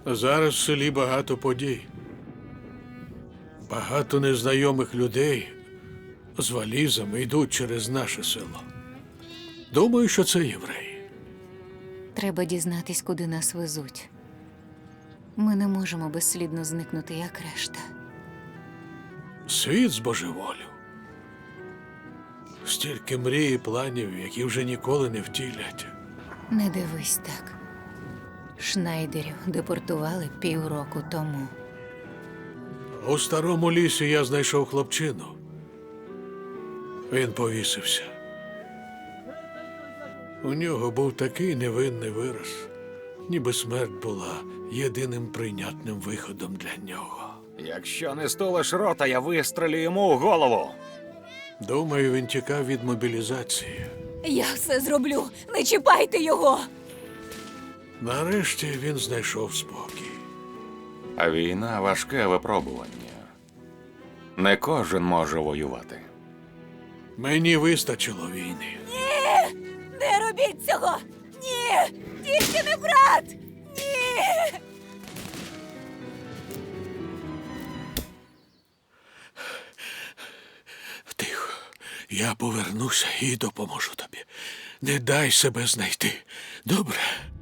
Зараз в селі багато подій. Багато незнайомих людей з валізами йдуть через наше село. Думаю, що це євреї. Треба дізнатись, куди нас везуть. Ми не можемо безслідно зникнути, як решта. Світ збожеволів. Стільки мрій і планів, які вже ніколи не втілять. Не дивись так. Шнайдерів депортували півроку тому. У старому лісі я знайшов хлопчину. Він повісився. У нього був такий невинний вираз, ніби смерть була єдиним прийнятним виходом для нього. Якщо не стулиш рота, я вистрелю йому у голову. Думаю, він тікав від мобілізації. Я все зроблю! Не чіпайте його! Нарешті він знайшов спокій. А війна – важке випробування. Не кожен може воювати. Мені вистачило війни. Не робіть цього! Ні! Тільки не брат! Ні! Тихо. Я повернуся і допоможу тобі. Не дай себе знайти. Добре?